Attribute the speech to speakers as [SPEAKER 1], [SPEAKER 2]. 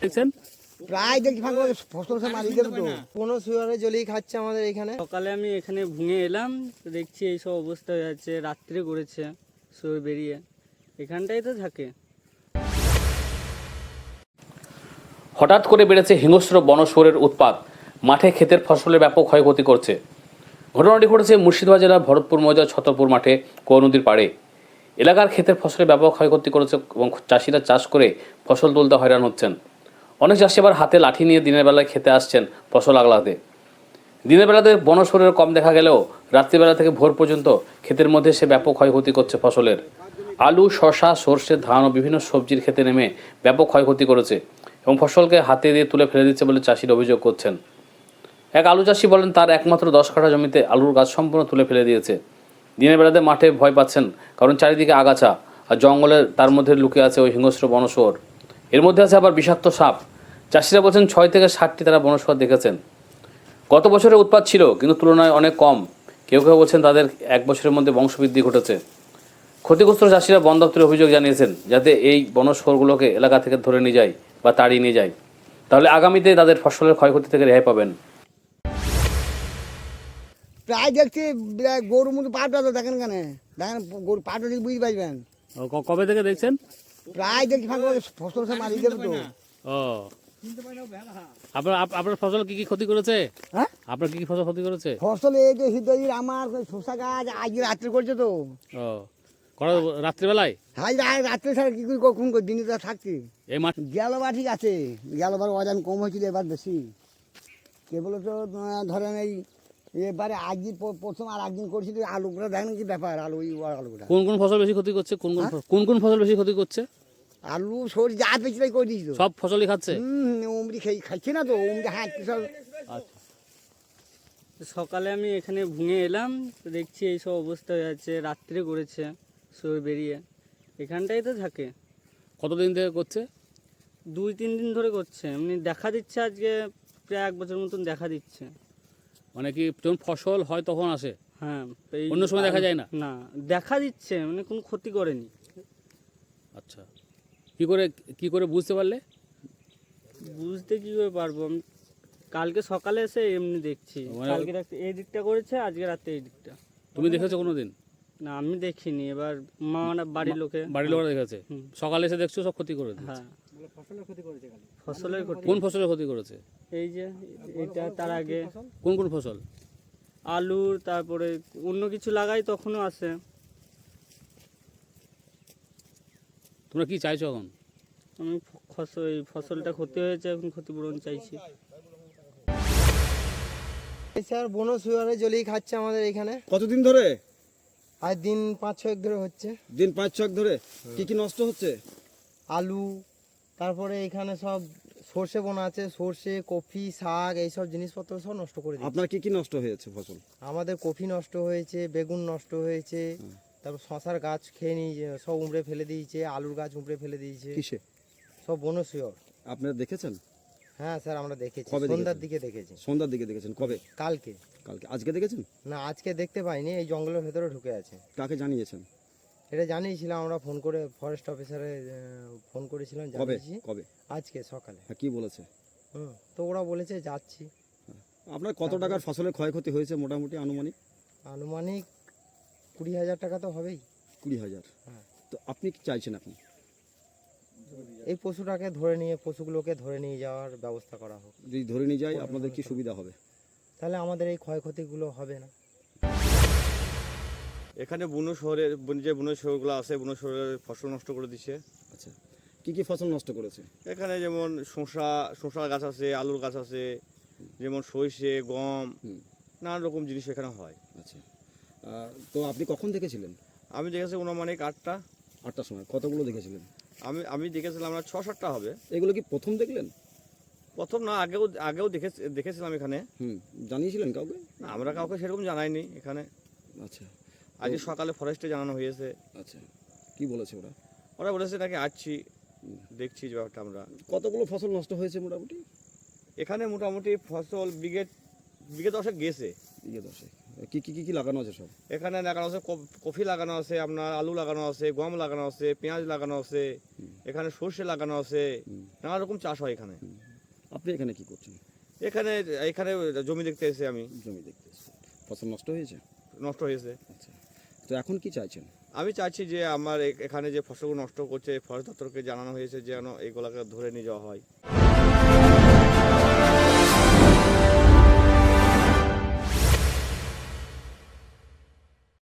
[SPEAKER 1] দেখছেন
[SPEAKER 2] প্রায় দেখি ফাঁকা ফসল সব মারিয়ে দেবে তো কোনো শুয়ারে জলেই খাচ্ছে আমাদের এখানে।
[SPEAKER 3] সকালে আমি এখানে ভুঙে এলাম, দেখছি এইসব অবস্থা হয়ে যাচ্ছে, রাত্রে করেছে শুয়ে বেরিয়ে, এখানটাই তো থাকে।
[SPEAKER 1] হঠাৎ করে বেড়েছে হিংস্র বনশুয়োরের উৎপাত, মাঠে ক্ষেতের ফসলের ব্যাপক ক্ষয়ক্ষতি করছে। ঘটনাটি ঘটেছে মুর্শিদাবাদ জেলার ভরতপুর মৌজার ছতরপুর মাঠে কোয়া নদীর পাড়ে। এলাকার ক্ষেতের ফসলের ব্যাপক ক্ষয়ক্ষতি করেছে এবং চাষিরা চাষ করে ফসল তুলতে হয়রান হচ্ছেন। অনেক চাষি আবার হাতে লাঠি নিয়ে দিনের বেলায় খেতে আসছেন ফসল আগলাতে। দিনের বেলাতে বনশুয়োরের কম দেখা গেলেও রাত্রিবেলা থেকে ভোর পর্যন্ত ক্ষেতের মধ্যে সে ব্যাপক ক্ষয়ক্ষতি করছে ফসলের। আলু, শসা, সর্ষে, ধান ও বিভিন্ন সবজির ক্ষেতে নেমে ব্যাপক ক্ষয়ক্ষতি করেছে এবং ফসলকে হাতে দিয়ে তুলে ফেলে দিচ্ছে বলে চাষিরা অভিযোগ করছেন। এক আলু চাষি বলেন তার একমাত্র 10 কাঠা জমিতে আলুর গাছ সম্পূর্ণ তুলে ফেলে দিয়েছে। দিনের বেলাতে মাঠে ভয় পাচ্ছেন, কারণ চারিদিকে আগাছা আর জঙ্গলের তার মধ্যে লুকিয়ে আছে ওই হিংস্র বনশুয়োর। এর মধ্যে আছে আবার বিষাক্ত সাপ। চাষিরা বলছেন 6 থেকে 7টি তারা বনশুয়োর দেখেছেন। গত বছরের উৎপাত ছিল, কিন্তু তুলনায় অনেক কম। কেউ কেউ বলছেন তাদের 1 বছরের মধ্যে বংশবৃদ্ধি ঘটেছে। ক্ষতিগ্রস্ত চাষিরা বন দপ্তরে অভিযোগ জানিয়েছেন যাতে এই বনশুয়োরগুলোকে এলাকা থেকে ধরে নিয়ে যায় বা তাড়িয়ে নিয়ে যায়, তাহলে আগামীতে তাদের ফসলের ক্ষয়ক্ষতি থেকে রেহাই পাবেন।
[SPEAKER 2] প্রায় দেখছি গরুর মতো পাটা তো দেখেন কেন, দেখেন গরু পাটা দেখে বুঝতে পারবেন।
[SPEAKER 1] কবে থেকে দেখছেন?
[SPEAKER 2] প্রায় দেখি ফাঁকা ফসল সব মারিয়ে দেবে তো।
[SPEAKER 1] ও, আপনার ফসল কি কি ক্ষতি করেছে?
[SPEAKER 2] হ্যাঁ,
[SPEAKER 1] আপনার কি কি ফসল ক্ষতি করেছে?
[SPEAKER 2] ফসল এই যে হৃদয়ের আমার শসা গাছ আজকে রাত্রে করছে তো।
[SPEAKER 1] ও, রাত্রিবেলায়?
[SPEAKER 2] হ্যাঁ, রাত্রে ছাড়া কি করে কখন দিনে তো থাকছি।
[SPEAKER 1] এই মাঠ
[SPEAKER 2] গেলবার ঠিক আছে, গেলবার ওজন কম হয়েছিল, এবার বেশি। কেবল তো ধরেন এই এবারে একদিন প্রথম আর একদিন করছিল আলুগুলো, দেখেন কি ব্যাপার, আলু আলুগুলা।
[SPEAKER 1] কোন কোন ফসল বেশি ক্ষতি করছে? কোন কোন ফসল বেশি ক্ষতি করছে?
[SPEAKER 2] আলু সরি যা পেয়েছিল করে দিয়েছিল,
[SPEAKER 1] সব ফসলই খাচ্ছে।
[SPEAKER 2] উমরি খাইছে না তো, উমরি হাত সব।
[SPEAKER 1] আচ্ছা,
[SPEAKER 3] সকালে আমি এখানে ভুঙে এলাম, দেখছি এইসব অবস্থা হয়ে যাচ্ছে, রাত্রে করেছে শুয়ে বেরিয়ে, এখানটাই তো থাকে।
[SPEAKER 1] কতদিন থেকে করছে?
[SPEAKER 3] 2-3 দিন ধরে করছে, এমনি দেখা দিচ্ছে আজকে প্রায় 1 বছর মতন দেখা দিচ্ছে।
[SPEAKER 1] মানে কি যখন ফসল হয় তখন আসে?
[SPEAKER 3] হ্যাঁ,
[SPEAKER 1] অন্য সময় দেখা যায় না?
[SPEAKER 3] না, দেখা দিচ্ছে, মানে কোনো ক্ষতি করেনি।
[SPEAKER 1] আচ্ছা, কি করে বুঝতে পারলে?
[SPEAKER 3] বুঝতে কি করে পারবো, আমি কালকে সকালে এসে এমনি দেখছি, কালকে রাত্রে এই দিকটা করেছে, আজকে রাতে এই দিকটা।
[SPEAKER 1] তুমি দেখেছো কোনোদিন?
[SPEAKER 3] না, আমি দেখিনি, এবার বাড়ির
[SPEAKER 1] লোকেরা দেখেছে। সকালে এসে দেখছো সব ক্ষতি করে দিয়েছে।
[SPEAKER 3] হ্যাঁ, ফসলের ক্ষতি।
[SPEAKER 1] কোন ফসলের ক্ষতি করেছে?
[SPEAKER 3] এই যে এটা, তার আগে
[SPEAKER 1] কোন কোন ফসল?
[SPEAKER 3] আলুর, তারপরে অন্য কিছু লাগাই তখনও আসে।
[SPEAKER 1] তোমরা কি চাইছো এখন?
[SPEAKER 3] আমি এই ফসলটা ক্ষতি হয়েছে, এখন ক্ষতিপূরণ চাইছি।
[SPEAKER 2] স্যার বনশুয়োরে জলেই খাচ্ছে আমাদের এখানে।
[SPEAKER 4] কতদিন ধরে?
[SPEAKER 2] আজ দিন 5-6 ধরে হচ্ছে।
[SPEAKER 4] দিন 5-6 ধরে। কি কি নষ্ট হচ্ছে?
[SPEAKER 2] আলু, তারপরে এখানে সব সর্ষে বোনা আছে, সর্ষে, কফি, শাক, এইসব জিনিসপত্র সব নষ্ট করে দিচ্ছে।
[SPEAKER 4] আপনার কি কি নষ্ট হয়েছে ফসল?
[SPEAKER 2] আমাদের কফি নষ্ট হয়েছে, বেগুন নষ্ট হয়েছে, তারপর শশার গাছ খেয়ে নিয়ে সব উমড়ে ফেলে দিয়েছে, আলুর গাছ উমড়ে ফেলে দিয়েছে।
[SPEAKER 4] কিসে?
[SPEAKER 2] সব বনশুয়োর।
[SPEAKER 4] আপনারা দেখেছেন?
[SPEAKER 2] হ্যাঁ স্যার, আমরা দেখেছি,
[SPEAKER 4] কবে
[SPEAKER 2] সন্ধ্যার দিকে দেখেছি।
[SPEAKER 4] সন্ধ্যার দিকে দেখেছেন? কবে?
[SPEAKER 2] কালকে।
[SPEAKER 4] কালকে? আজকে দেখেছেন?
[SPEAKER 2] না, আজকে দেখতে পাইনি, এই জঙ্গলের ভেতরে ঢুকে আছে।
[SPEAKER 4] কাকে জানিয়েছেন?
[SPEAKER 2] এটা জানিয়েছিলাম আমরা ফোন করে, ফরেস্ট অফিসারে ফোন করেছিলাম,
[SPEAKER 4] কবে?
[SPEAKER 2] জানিয়েছি
[SPEAKER 4] কবে?
[SPEAKER 2] আজকে সকালে।
[SPEAKER 4] হ্যাঁ, কি বলেছে?
[SPEAKER 2] তো ওরা বলেছে যাচ্ছি।
[SPEAKER 4] আপনার কত টাকার ফসলের ক্ষয়ক্ষতি হয়েছে মোটামুটি আনুমানিক?
[SPEAKER 2] আনুমানিক 20,000 টাকা তো হবেই।
[SPEAKER 4] 20,000?
[SPEAKER 2] হ্যাঁ।
[SPEAKER 4] তো আপনি কি চাইছেন এখন?
[SPEAKER 2] এই পশুগুলোকে ধরে নিয়ে যাওয়ার ব্যবস্থা করা হোক।
[SPEAKER 4] যদি ধরে নিয়ে যায় আপনাদের কি সুবিধা হবে?
[SPEAKER 2] তাহলে আমাদের এই ক্ষয়ক্ষতিগুলো হবে না।
[SPEAKER 5] এখানে যে বন শহরগুলো আছে, বন শহরের ফসল নষ্ট করে দিচ্ছে।
[SPEAKER 4] আচ্ছা, কি কি ফসল নষ্ট করেছে?
[SPEAKER 5] এখানে যেমন শসা গাছ আছে, আলুর গাছ আছে, যেমন সরষে, গম, নানান রকম জিনিস এখানে হয়।
[SPEAKER 4] আচ্ছা, তো আপনি কখন দেখেছিলেন?
[SPEAKER 5] আমি দেখেছি অনুমানিক
[SPEAKER 4] 8টার সময়। কতগুলো দেখেছিলেন?
[SPEAKER 5] আমি দেখেছিলাম আমরা 6-7টা হবে।
[SPEAKER 4] এগুলো কি প্রথম দেখলেন?
[SPEAKER 5] প্রথম না, আগেও দেখেছিলাম এখানে।
[SPEAKER 4] জানিয়েছিলেন কাউকে?
[SPEAKER 5] না, আমরা কাউকে সেরকম জানাইনি এখানে।
[SPEAKER 4] আচ্ছা,
[SPEAKER 5] আজকে সকালে ফরেস্টে জানানো হয়েছে।
[SPEAKER 4] আচ্ছা, কি বলেছে ওরা?
[SPEAKER 5] ওরা বলেছে নাকি আসছি, দেখছি যে ব্যাপারটা আমরা।
[SPEAKER 4] কতগুলো ফসল নষ্ট হয়েছে মোটামুটি?
[SPEAKER 5] এখানে মোটামুটি ফসল বিঘে 10 গেছে।
[SPEAKER 4] বিঘে 10? কি কি কি লাগানো আছে সব?
[SPEAKER 5] এখানে লাগানো আছে কফি লাগানো আছে, আপনার আলু লাগানো আছে, গম লাগানো আছে, পেঁয়াজ লাগানো আছে, এখানে সর্ষে লাগানো আছে, নানা রকম চাষ হয় এখানে।
[SPEAKER 4] আপনি এখানে কি করছেন?
[SPEAKER 5] এখানে এখানে জমি দেখতে এসে আমি,
[SPEAKER 4] জমি দেখতে এসেছেন। ফসল নষ্ট হয়েছে?
[SPEAKER 5] নষ্ট হয়েছে।
[SPEAKER 4] আচ্ছা, তো এখন কি চাইছেন?
[SPEAKER 5] আমি চাইছি যে আমার এখানে যে ফসলগুলো নষ্ট করছে ফরেস্ট দপ্তরকে জানানো হয়েছে যেন এগুলোকে ধরে নিয়ে যাওয়া হয়।